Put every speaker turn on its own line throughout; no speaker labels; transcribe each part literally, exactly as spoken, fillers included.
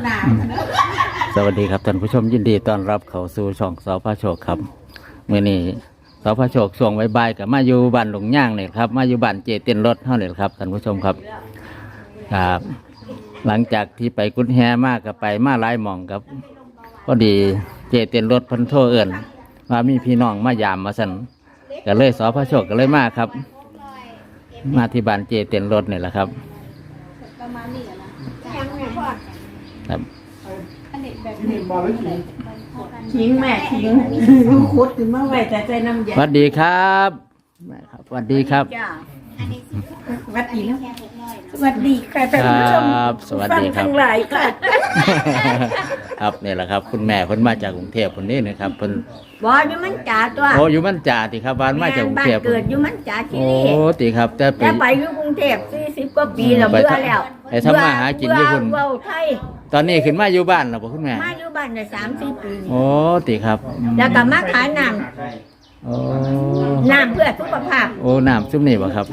หนา
สวัสดีครับท่านผู้ชมยินดีต้อนรับเข้าสู่ช่องสพโชคครับมื้อนี้สพโชคช่วงบ่ายๆกับมาอยู่บ้านหลงย่างเนี่ยครับมาอยู่บ้านเจเต้นรถเท่านี้ครับท่านผู้ชมครับครับหลังจากที่ไปกุดแฮมากกับไปมาหลายหม่องครับก็ดีเจเต้นรถพันโทเอิญว่ามีพี่น้องมายามมาสั่นก็เลยสพโชคก็เลยมาครับมาที่บ้านเจเต้นรถนี่แหละครับครับ
ทิ้งแม่ทิ้งคุดขึ้นมาไว้แต่ใจน้ำยา
สวัสดีครับแม่ครับสวัสดีครับ
สวัสดีนะสวัสดีค่ะท่านผู้ชม
ครับสวัสดีครับ
ฟังทั้งหลายค่ะ
ครับนี่แหละครับคุณแม่คนมาจากกรุงเทพคนนี้นะครับคน
บ่อยู่มันจ่าตัว
โอ้อยู่มันจ่าติครับบ้านมาจากกรุงเทพ
บ้านเกิดอยู่มันจ่าที่
โอ้
นี่
ติครับแต่ไป
แต่ไปอยู่กรุงเทพสี่สิบกว่าปีแล้ว
ไป
เบื่อแล้ว
ไปทำมาหากินอยู่พุ่น
เบื่อเว้าไทย
ตอนนี้ขึ้นมาอยู่บ้านแล้วบ่คุณแม่
มาอยู่บ้านได้สามสี่ปี
โอ้ติครับ
แล้วก็มาขายน้
โอ้
ำน้ำเพื่อสุขภาพ
โอ้น้ำซุปนี่บ่ครับ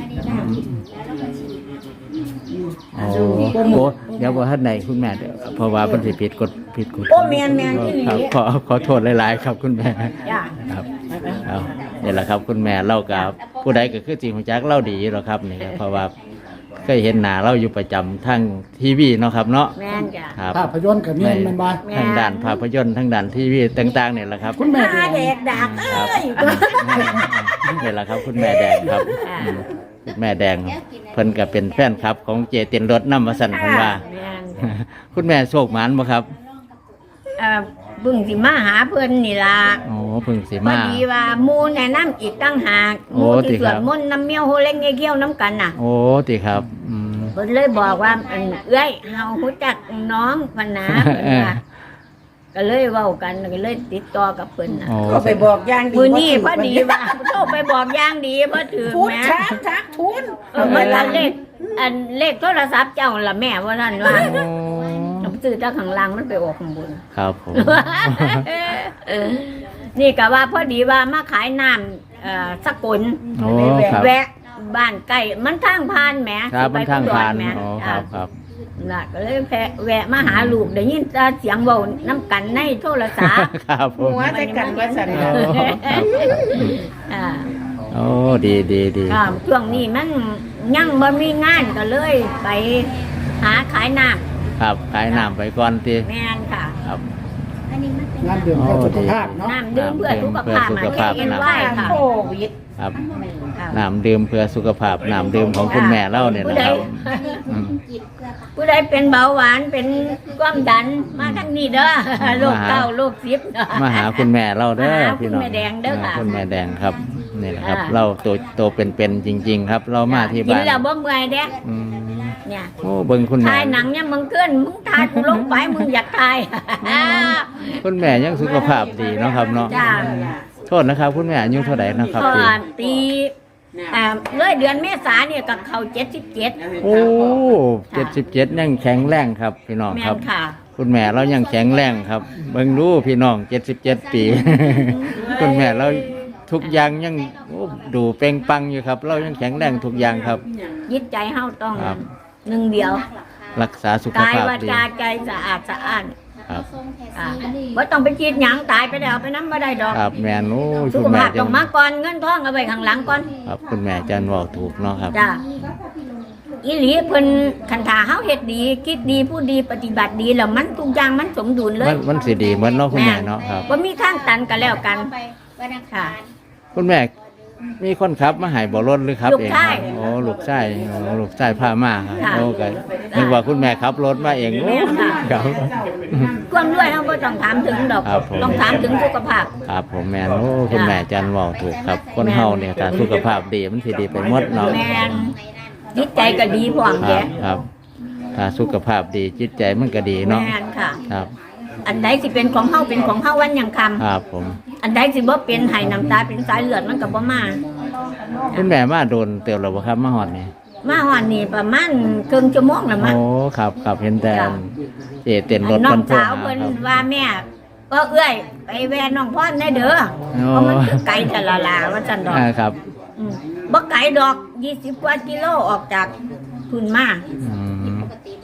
โอ้โอ้เดี๋ยวบ่ทันไหนคุณแม่เดี๋ยวเพราะว่าเพิ่นสิผิดกฎผิดกฎ
โอ้แม่นแม่นที่
ครับ
นี่
ขอขอโทษหลายๆครับคุณแม่
จ้า
ครับเอานี่แหละครับคุณแม่เล่ากับผู้ใดก็คือจริงของจักเล่าดีหรอกครับนี่ครับเพราะว่าเคยเห็นหน้าเราอยู่ประจำทั้งทีวีเนาะครับเนาะ
แม่นจ้า
ครับ
ภาพยนตร์กับเมียนมันบ่
ทั้งด่านภาพยนตร์ทั้งด่านทีวีต่างๆเนี่ยแหละครับ
คุณแม่
ตา
แด
แด
ง
กดักเอ้ย
นี่แหละครับคุณแม่แดงครับ
อ่า
อืมคุณแม่แดงเพิ่นก็เป็นแฟนคลับของเจเตียนรถน้ำมาสั่นเพิ่นว่า
แม่น
คุณแม่โชคหมานบ่ครับ
เอ่อเบิ่งสิมาหาเพิ่นนี่ล่ะ
โอ้เพิ่งสิ
พอ
มา
ดีว่าหมู่แนะนำอีกตั้งหากห
โอ้
มู่
ติ
ที่ส
ครั
วด
บ
มนต์น้ำเมียวโฮเล็กเงี้ยเกี้ยวน้ำกันน่ะ
โอ้ติครับอืม
เพิ่นเลยบอกว่าอันเอ้ยเฮารู้จักน้องพันนะเพิ่นว่าก็เลยเว้ากันก็เลยติดต่อกับเพิ่นน่ะ
โอ้
ก็ไปบอกย่างดี
มื้อนี้พอดีว่าโทรไปบอกอย่างดีเพิ่นถือ
พูด
แหม่
ช้าทักทุน
เออมันละเลขอันเลขโทรศัพท์เจ้าล่ะแม่ว่านั่นว่า
โอ้
ผมซื้อจากข้างล่างมันไปออกข้างบน
ครับผม
เออนี่ก็ว่าพอดีว่ามาขายน้ำเอ่อสกุล
โอ้ครับ
แวะบ้านใกล้มันทางผ่านแหม
ครับมันทางผ่าน
แหม
อ๋อครับครับ
น่ะก็เลยแพะแวะมาหาลูกได้ยินแต่เสียงเว้าน้ำกันในโทรศัพท์
ครับผ
หั
ม
วใจกันว่าสัน
โอ้ครับ
อ่า
โอ้ดีดีดี
ครับช่วงนี้มันยังบ่มีงานก็เลยไปหาขายน้
ครับขายน้ำไปก่อนที
ำแม่นค่ะ
ครับ
งานดื่มเพื่อสุขภาพเนาะ
น้ำดื่มเพื่อสุขภาพ
เพื่อสุขภาพ
เอ็นไหวค่ะ
โควิด
ครับ
ครับ
น้ำดื่มเพื่อสุขภาพน้ำดื่มของคุณแม่เล่าเนี่ยนะครับอืม
ผู้ใดเป็นเบาหวานเป็นความดันมาทั้งนี้เด้อโรคเก้าโรคซิบเด้อ
มาหาคุณแม่เล่าเด้อ
มาหา
พี่น้อง
คุณแม่แดงเด้อค่ะ
คุณแม่แดงครับนี่แหละครับ
อ่า
เราตัวตัวเป็นๆจริง ๆ ครับ เรามาที่
กิ
บ้าน น
แล้วบ่เมื่อยเด้
อืม
เนี่ย
โอ้เบิ่งคุณแม่
ถ่ายหนังเนี่ยมึงเกินมึงถ่ายกูลงไปมึงอยากถ่าย
คุณแม่ยังสุขภาพดีเนาะครับเนาะ
จ้า
โทษนะครับ คุณแม่อายุเท่าไหร่นะครับ
ก็
ปี
ตีอ่าเลยเดือนเมษาเนี่ยก็เข้าเจ็ดสิบเจ็ด
โอ้เจ็ดสิบเจ็ดยังแข็งแรงครับ พี่น้อง
แม่
ครับ
นค่ะ
คุณแม่เรายังแข็งแรงครับ เบิ่งรู้พี่น้องเจ็ดสิบเจ็ดปี คุณแม่เราทุกอย่างยังโอ้ดูเปล่งปลังอยู่ครับ เรายังแข็งแรงทุกอย่างครับ
ยิตใจเฮาต้อง
ครับ
หนึ่งเดียว
รักษาสุข
กาย
ภาพ
วา
ดี
จาใจสะอาดสะอ้าน
ครับ
อ่าบ่ต้องไปคิดหยังตายไปแล้วไปน้ำบ่ได้ดอก
ครับแม่นู้
สุ
คุ
ข
ณแม่
ภาพ
จั
ต้องมาก่อนเงินทองเอาไว้ข้างหลังก่อน
ครับคุณแม่จันบอกถูกเนาะครับ
จ้าอีหลีเพิ่นคันถาเฮาเฮ็ดดี คิดดีพูดดีปฏิบัติดีแล้วมันทุกอย่างมันสมดุลเล
มั
ย
นมันสิดีเหมือนเนาะคุณแม่เนาะครับ
บ่มีทางตันกันแล้วกันค่ะ
คุณแม่มีคนขับมาใหายบ่รถหรือครับ
ลูก
เอง
ชาย
ครับโอ้ลูกชายโอ้ลูกชายพามาครับ
ค่ะ
โอ้ก็นึกว่าคุณแม่ขับรถมาเองโอ้
แม่ค่ะ
ครับ
ความรวยเฮาบ่ต้องถามถึงดอก
ครับผม
ต้องถามถึงสุขภาพ
ครับผมแม่นโอ้คุณแม่จันบอกถูกครับ คนเฮาเนี่ยถ้าสุขภาพดีมันสิดีไปหมดเนาะ
แม่นจิตใจก็ดีพร้อม
ค
แก
รับครับถ้าสุขภาพดีจิตใจมันก็ดีเนาะ
แม่นค่ะ
ครับ
อันใดสิเป็นของเฮาเป็นของเฮาวันยังคำ
ครับผม
อันใดสิบ่เป็นให้น้ำตาเป็นสายเลือดมันก็บ่มา
คุณแม่มาโดนเตียวแล้วบ่ครับมาฮอดนี่
มาฮอดนี่ประมาณครึ่งชั่วโมงแล้วมั้ง
โอ้ครับครับเห็นแต่
จ้ะ
เจเต้นรถ
น้อ
เพิ่
ง
นโทร
สาว
หา
เพิ่น
ครับ
ว่าแม่ก็เอื้อยไปแว่น้องพ่อนได้เด้อ
โอ้
เพราะมันคือไกลแต่ละลาว่าจันดอก
อ่าครับ
อืมบ่ไกลดอกยี่สิบกว่ากิโลออกจากทุนมา
อืม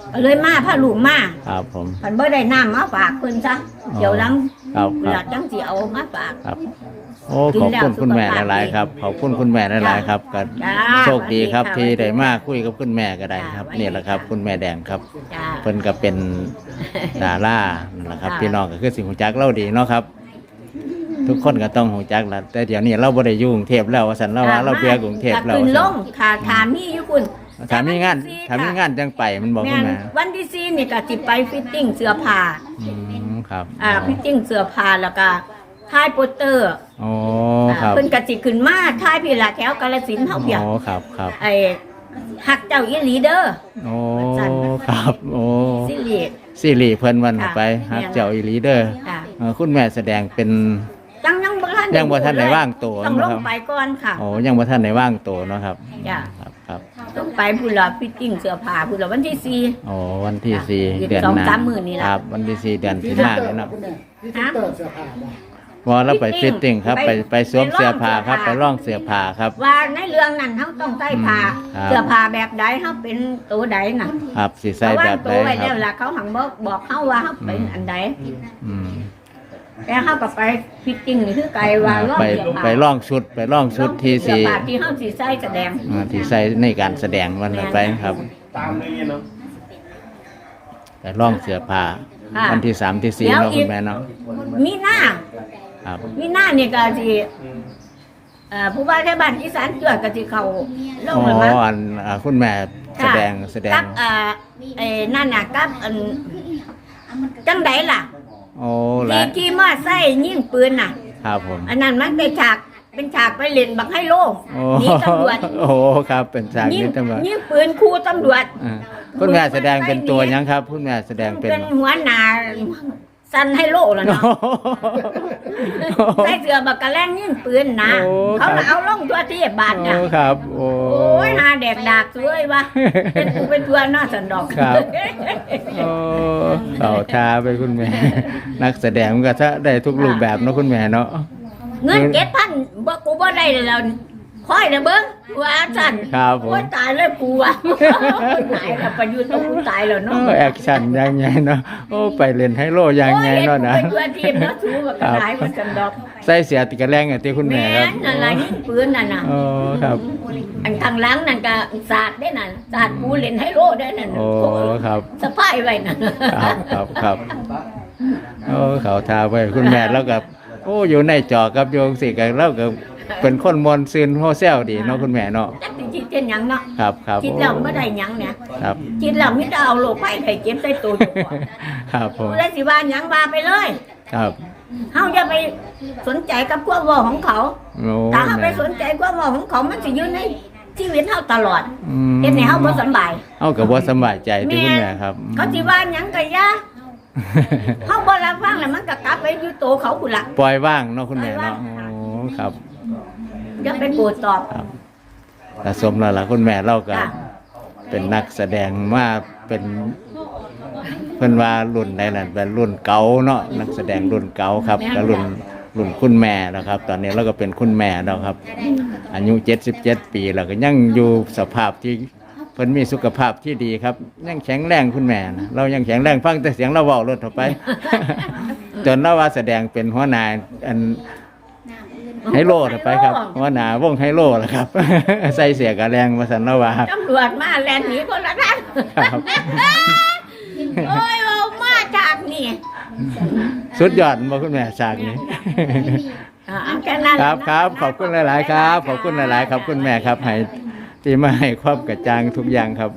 ก็เลยมาพาลูกมา
ครับผม
พันบ่ได้น้ำมาฝากเพิ่นซะเดี๋ยวหลัง
ครับค
ห
รั
ลั
บ
กจังสิเอามาฝาก
ครับโอ้ขอบคุณคุณแม่หลายๆครับขอบคุณคุณแม่หลายๆครับก็
จ้า
โชคดีครับ
สวัส
ที่
ค่ะ
ได้มาคุยกับคุณแม่ก็ได้ครับ
จ้า
นี่แหละครับ คุณแม่แดงครับ
จ้า
เพิ่นก็เป็นดารานั่นแหละครับ
จ้า
พี่น้องก็คือสิหูจักเล่าดีเนาะครับ ทุกคนก็ต้องหูจักแหละแต่เดี๋ยวนี้เราบ่ได้อยู่กรุงเทพแล้วว่าซั่นเราว่าเราเบื่อกรุงเทพแล้ว
ขึ้น
ว่า
ล
ซั่น
งค่ะถามมีอยู่คุณ
ถามมีงานถามมีงานจังไปมันบอก
แม่
คุณ
น
แม่
วันที่สี่นี่ก็สิไปฟิตติ้งเสื้อผ้า
อืมครับ
อ่าฟิตติ้งเสื้อผ้าแล้วก็ถ่ายโปสเตอร์
อ๋อครับ
เพิ่นก็สิขึ้นมาถ่ายพี่ละแถวกาฬสินธุ์เฮาเพียง
อ๋อครับครับ
ไอ้ฮักเจ้าอีหลีเด้อ
โอ้ครับโอ้
สิริ
ซีรีส์เพิ่นวัน
ค่ะ
ไปฮักเจ้าอีหลีเด้อ
ค่ะ
เอ่อคุณแม่แสดงเป็น
จังยังบ่ทัน
ยังบ่ทันได้ว่างตัว
ต้องล
นะ
ง
ครับ
ไปก่อนค่ะ
โอ้ยังบ่ทันได้ว่างตัวเนาะครับ
จ้ะ
ครับครับ
ต้องไปพุ่นละฟิตติ้งเสื้อผ้าพุ่นละวันที่สี่
โอ้วันที่สี่
อีก
เดือน
สอง
หน้า
สามมื้อนี่ล่ะ
ครับ วันที่สี่เดือน
พรี
ที่
เซน
ห้า
เตอ
เลย
ร์
เนาะ
คุณแม่พรีเซนเตอร์เสื้อผ้าบ่
พอเราไปฟิตติ้งครับ ไป
ไป
ไปสวม
ไปลอง
เสื้อผ้าครับ
เสื้
ไป
อผ้า
ร่องเสื้อผ้าครับ
ว่าในเรื่องนั้นเฮาต้องใส่ผ้า
ครับ
เสื้อผ้าแบบใดเฮาเป็นตัวใดน่ะ
ครับสี
เพ
ใส่
ราะว่า
แบบ
ตั
ใด
วไว้
ค
แล้
รั
ว
บ
ล่ะเขาหังบอกบอกเฮาว่าเฮาเป็นอันใด
อืม
แต่เฮาก็ไปฟิตติ้งนี่คือไกลว่าลอง
ไป
เสื้อผ้า
ไปร่องชุดไปร่องชุดที่
เสื้อ
สี
ผ้าที่เฮาสิใส่แสดง
อ่าที่ใส่ในการแสดงวันนั้นไปครับ
ตามนี้เนาะ
ไปร่องเสื้อผ้า
ค่ะ
วันที่สามที่สี่
แล้ว
เนาะ
อี
คุ
ก
ณแม่เนาะ
มีหน้า
ครับ
มีหน้านี่ก็สิเอ่อผู้ว่าราชบ้านอีสานเกิดก็สิเข้าล
อ๋
งแล้วมั้ง
ออันอ่าคุณแม่แสดงแสดง
กับเอ่อไอ้นั่นน่ะกับอันจังไดล่ะ
โอ้
ที่
ละ
ที่มาใส่ยิงปืนน่ะ
ครับผม
อันนั้นมันเป็นฉากเป็นฉากไปเล่นบักไฮโล
โอ้
หนีตำรวจ
โอ้ครับเป็นฉาก
ยิง
นี้ตำรวจ
ยิงปืนคู่ตำรวจ
อ่าคุณแม่แสดงเป็นตัวหยังครับ คุณแม่แสดงเป็น
เป็นหัวหน้าสันไฮโลแล้วเนาะใส่เสื้อบักกะแลงยิงปืนนะ
โอ้
เขา
ครับ
เอาลงตัวที่บาท
โอ้
น่ะ
ครับ โอ้
โอ้ยหาแดกดากสวยวะเป็นกูเป็นตัวน่าสันดอก
ครับ โอ้เอาทาไปคุณแม่ นักแสดงมันก็ถ้าได้ทุกรูปแบบเนาะคุณแม่เนาะ
เงินเจ็ดพันบ่กูบ่ได้เลยแล้วคอยนะเบิ้งว่าสั่น
ครับผม
ว่าตายเลยกูอ่ะตายแล้วประยุทธ์ต้องกูตายแล้ว
โอ้
เนาะ
แอคชั่นยังไงเนาะโอ้ไปเล่นไฮโลยังไงเนาะนะ
โอ้ยเป็นตัวทีมเนาะสูงกว่ากระไรมันกันดอก
ใส่เสียติดกระแรงอ่ะที่คุณแม่
แม่
ครับ
นอะไรยิงปืนน่ะน่ะ
โอ้ครับ
อันทางหลังนั่นก็ศาสตร์ได้น่ะศาสตร์กูเล่นไฮโลได้นั่น
โอ้ครับ
สะพายไว้น่ะ
ครับครับครับโอ้เขาทาไปคุณแม่แล้วกับโอ้อยู่ในจอกับโยงสิกันแล้วกับเป็นคนมวนซึนโฮเซลดีเนาะคุณแม่เนาะ
จักสิคิดเป็นหยังเนาะ
ครับครับ
คิดแล้วบ่ได้หยังเนี่ย
ครับ
คิดแล้วมิได้เอาโรคภัยไข้เจ็บใส่ตัวอยู่ก่อน
ครับผม
ผู้ใดสิว่าหยังว่าไปเลย
ครับ
เฮาอย่าไปสนใจกับความเว้าของเขา
โอ้
ถ้าเฮาไปสนใจความเว้าของเขามันสิอยู่ในชีวิตเฮาตลอด
อืม
เฮ็ดให้เฮาบ่สำบาย
เอากับว่าสำบายใจที่คุณแม่ครับ
เขาสิว่าหยังก็อย่าเฮาบ่รับฟังแล้วมันก็กลับไปอยู่โตเขาพุ่นล่ะ
ปล่อยว่างเนาะคุณแม่เนาะโอ้ครับ
อย่าไปโกรธตอบ
ครับแต่สมแล้วล่ะคุณแม่เราก็
จ้ะ
เป็นนักแสดงมาเป็นเพิ่นว่ารุ่นใดนั่นเป็นรุ่นเก่าเนาะนักแสดงรุ่นเก่าครับก็รุ่นรุ่นคุณแม่แล้วครับ ตอนนี้เราก็เป็นคุณแม่แล้วครับ อายุเจ็ดสิบเจ็ดปีแล้วก็ยังอยู่สภาพที่เพิ่นมีสุขภาพที่ดีครับ ยังแข็งแรงคุณแม่นะเรายังแข็งแรงฟังแต่เสียงเราเว้ารถเข้าไป จนเราว่าแสดงเป็นหัวหน้าอันไฮโลเข้าไปครับหัวหน้าวงไฮโลแหละครับ ใส่เสียกระแรงมาสันเราว่า
ตำรวจมาแล่นหนีคนละทัน
ครับ
โอ้ยเอามาจากนี่
สุดยอดมาคุณแม่ฉากนี้
อ่าแค่นั้น
ครับ
นะ
ครับขอบคุณหลาย ๆ ครับ ขอบคุณหลาย ๆ ครับคุณแม่ครับให้ที่มาให้ความกระจ่างทุกอย่างครับ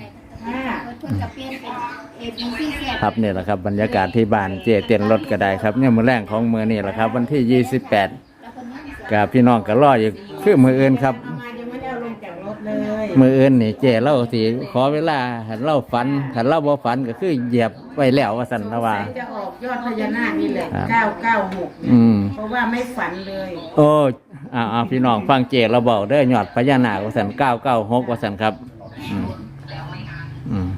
ครับนี่แหละครับบรรยากาศที่บ้านเจเตียนรถก็ได้ครับเนี่ยมือแรงของมือนี่แหละครับ วันที่ยี่สิบแปดกับพี่น้องก็รออยู่คือมืออื่นครับ
มายังไม่ได้เอาลงจากรถเลย
มืออื่นนี่เจเล่าสิขอเวลาหันเล่าฝันหันเล่าบ่ฝันก็คือเหยียบไว้แล้วว่าสันนะว่า
จะออกยอดพญานาคนี่แหละ
ครับ
เก้าเก้าหก
อืม
เพราะว่าไม่ฝันเลย
โอ้อ่าอ่าพี่น้องฟังเจเราบอกเด้อยอดพญานาคว่าสันเก้าเก้าหกว่าสันครับอืมอืม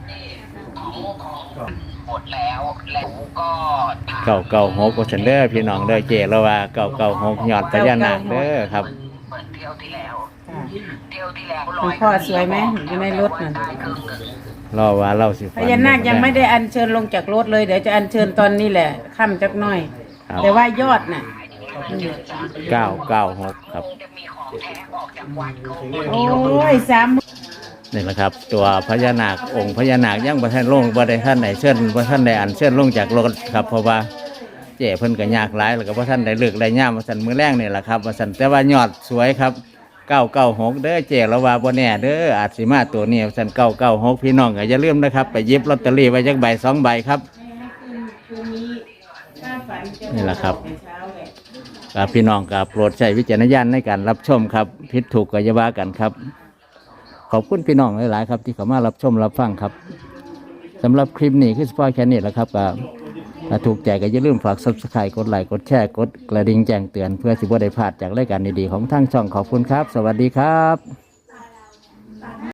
หมดแล้วแล้วก็
เก้าเก้าหกว่าสันเด้อพี่น้องเด้อเจเราว่าเก้าเก้าหกยอดพญานาคเด้อครับ
เหมือนเที่ยวที่แล้ว
ค่ะ
เที่ยวที่แล้ว
คุณพ่อสวยไหมอยู่ในรถน่ะ
ได้ครึ่งหนึ่ง
รอว่าเราสิ
พญานาคยังไม่ได้อัญเชิญลงจากรถเลยเดี๋ยวจะอัญเชิญตอนนี้แหละค่ำจักหน่อย
ครับ
แต่ว่ายอดน่ะ
เก้าเก้าหกครับ
โอ้ยสาม
นี่แหละครับ ตัวพญานาคองค์พญานาคยังบ่ทันลงบ่ได้ท่านไหนเชิญบ่ท่านได้อันเชิญลงจากรถครับเพราะว่าเจ้เพิ่นก็ยากหลายแล้วก็บ่ท่านได้เลิกได้ย่ามว่าซั่นมื้อแรงนี่แหละครับว่าซั่นแต่ว่ายอดสวยครับเก้าเก้าหกเด้อเจ้ละว่าบ่แน่เด้ออาจสิมาตัวนี้ว่าซั่นเก้าเก้าหกพี่น้องก็อย่าลืมนะครับไปหยิบลอตเตอรี่ไว้จักใบสองใบครับนี่แหละครับกับพี่น้องกับโปรดใช้วิจารณญาณในการรับชมครับผิดถูกก็อย่าว่ากันครับขอบคุณพี่น้องหลายๆครับที่เข้ามารับชมรับฟังครับสำหรับคลิปนี้คือสปอยแค่นี้แหละครับก็ถ้าถูกใจก็อย่าลืมฝาก ซับสไครบ์ กดไลค์กดแชร์กดกระดิ่งแจ้งเตือนเพื่อสิบ่ได้พลาดจากรายการดีๆของทางช่องขอบคุณครับสวัสดีครับ